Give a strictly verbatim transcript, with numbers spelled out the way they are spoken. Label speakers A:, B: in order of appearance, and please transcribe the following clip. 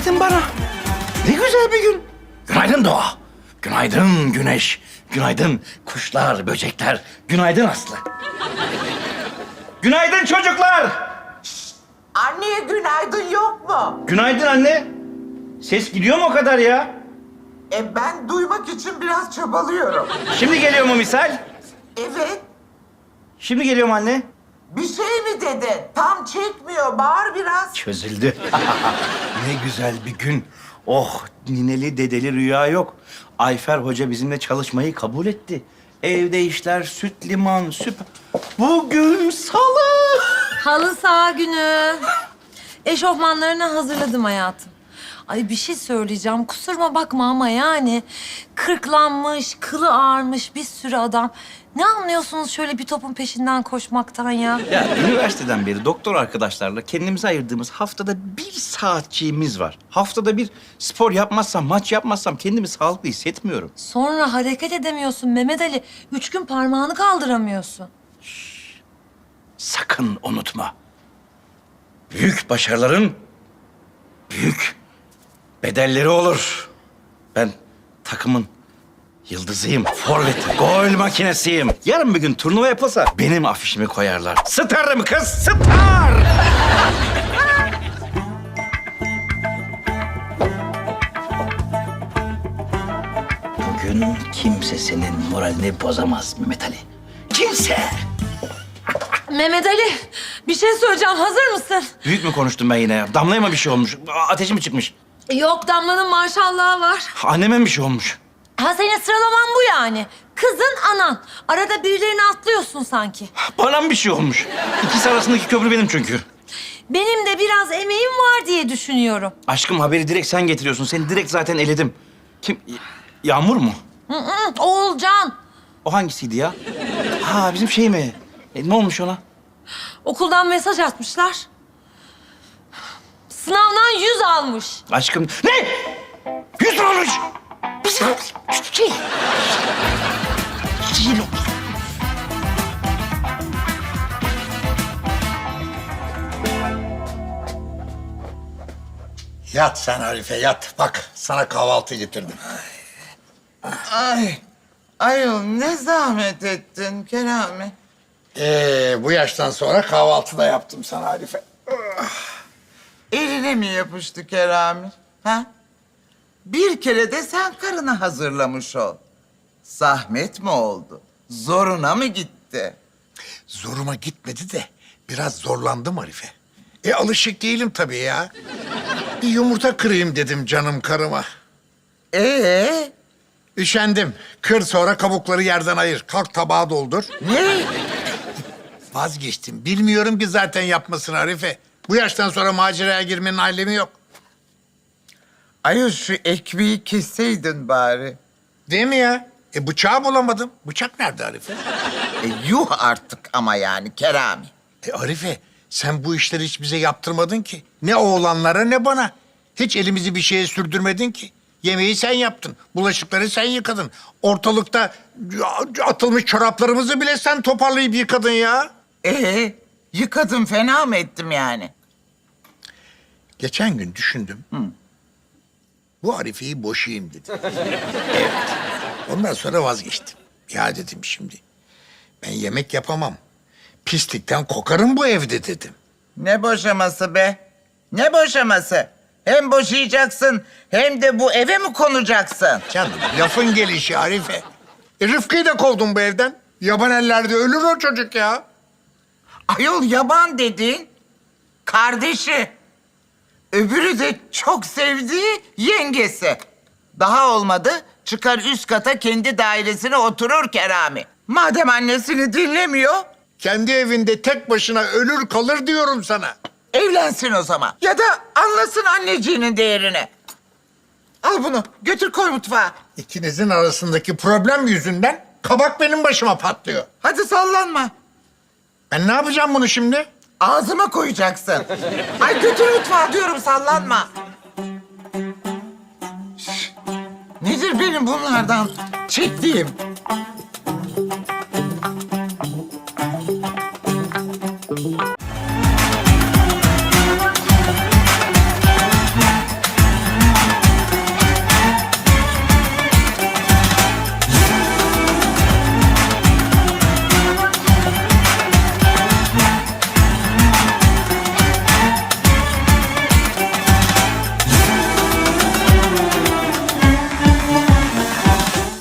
A: Günaydın bana. Ne güzel bir gün. Günaydın doğa. Günaydın güneş. Günaydın kuşlar, böcekler. Günaydın Aslı. Günaydın çocuklar.
B: Anneye günaydın yok mu?
A: Günaydın anne. Ses gidiyor mu o kadar ya?
B: E ben duymak için biraz çabalıyorum.
A: Şimdi geliyor mu misal?
B: Evet.
A: Şimdi geliyor mu anne?
B: Bir şey mi dedi? Tam çekmiyor. Bağır biraz.
A: Çözüldü. Ne güzel bir gün. Oh, nineli dedeli rüya yok. Ayfer Hoca bizimle çalışmayı kabul etti. Evde işler süt liman süper. Bugün salı.
C: Halı saha günü. Eşofmanlarını hazırladım hayatım. Ay bir şey söyleyeceğim. Kusuruma bakma ama yani kırklanmış, kılı ağarmış bir sürü adam. Ne anlıyorsunuz şöyle bir topun peşinden koşmaktan ya?
A: Ya üniversiteden beri doktor arkadaşlarla kendimize ayırdığımız haftada bir saatçiğimiz var. Haftada bir spor yapmazsam, maç yapmazsam kendimi sağlıklı hissetmiyorum.
C: Sonra hareket edemiyorsun Mehmet Ali. Üç gün parmağını kaldıramıyorsun.
A: Sakın unutma. Büyük başarıların büyük bedelleri olur. Ben takımın yıldızıyım. Forvet, gol makinesiyim. Yarın bir gün turnuva yapılsa benim afişimi koyarlar. Starım kız, star! Bugün kimse senin moralini bozamaz Mehmet Ali. Kimse!
C: Mehmet Ali bir şey söyleyeceğim. Hazır mısın?
A: Büyük mü konuştum ben yine? Damlaya mı bir şey olmuş? Ateşi mi çıkmış?
C: Yok Damla'nın maşallahı var.
A: Anneme mi bir şey olmuş?
C: Ha senin sıralaman bu yani. Kızın anan. Arada birilerini atlıyorsun sanki.
A: Bana mı bir şey olmuş? İkisi arasındaki köprü benim çünkü.
C: Benim de biraz emeğim var diye düşünüyorum.
A: Aşkım haberi direkt sen getiriyorsun. Seni direkt zaten eledim. Kim? Y- Yağmur mu?
C: Hı hı, Oğulcan.
A: O hangisiydi ya? Ha bizim şey mi? E, ne olmuş ona?
C: Okuldan mesaj atmışlar. Sınavdan yüz almış.
A: Aşkım ne? Yüz mü olmuş? Bizim şey... Şey...
D: Yat sen Arife yat. Bak sana kahvaltı getirdim.
B: Ay. Ayol ne zahmet ettin Kerami.
D: Ee, bu yaştan sonra kahvaltı da yaptım sana Arife.
B: Eline mi yapıştı Kerami? Ha? Bir kere de sen karını hazırlamış ol. Zahmet mi oldu? Zoruna mı gitti?
D: Zoruma gitmedi de biraz zorlandım Arife. E alışık değilim tabii ya. Bir yumurta kırayım dedim canım karıma.
B: Ee,
D: Üşendim. Kır sonra kabukları yerden ayır. Kalk tabağa doldur.
B: ne?
D: Vazgeçtim. Bilmiyorum ki zaten yapmasını Arife. Bu yaştan sonra maceraya girmenin alemi yok.
B: Ayol şu ekmeği kesseydin bari.
D: Değil mi ya? E bıçağı bulamadım. Bıçak nerede Arife?
B: E, yuh artık ama yani Kerami.
D: E Arife, sen bu işleri hiç bize yaptırmadın ki. Ne oğlanlara ne bana. Hiç elimizi bir şeye sürdürmedin ki. Yemeği sen yaptın, bulaşıkları sen yıkadın. Ortalıkta atılmış çoraplarımızı bile sen toparlayıp yıkadın ya.
B: Ee, yıkadım fena mı ettim yani?
D: Geçen gün düşündüm. Bu Arife'yi boşayayım dedim. Evet. Ondan sonra vazgeçtim. Ya dedim şimdi, ben yemek yapamam. Pislikten kokarım bu evde dedim.
B: Ne boşaması be? Ne boşaması? Hem boşayacaksın hem de bu eve mi konacaksın?
D: Canım lafın gelişi Arife. E, Rıfkı'yı da kovdum bu evden. Yaban ellerde ölür o çocuk ya.
B: Ayol yaban dedin. Kardeşi. Öbürü de çok sevdiği yengesi. Daha olmadı çıkar üst kata kendi dairesine oturur Kerami. Madem annesini dinlemiyor
D: Kendi evinde tek başına ölür kalır diyorum sana.
B: evlensin o zaman. Ya da anlasın anneciğinin değerini. Al bunu götür koy mutfağa.
D: İkinizin arasındaki problem yüzünden kabak benim başıma patlıyor.
B: Hadi sallanma.
D: Ben ne yapacağım bunu şimdi?
B: Ağzıma koyacaksın. Ay götür mutfağa diyorum sallanma. Şş, nedir benim bunlardan çektiğim?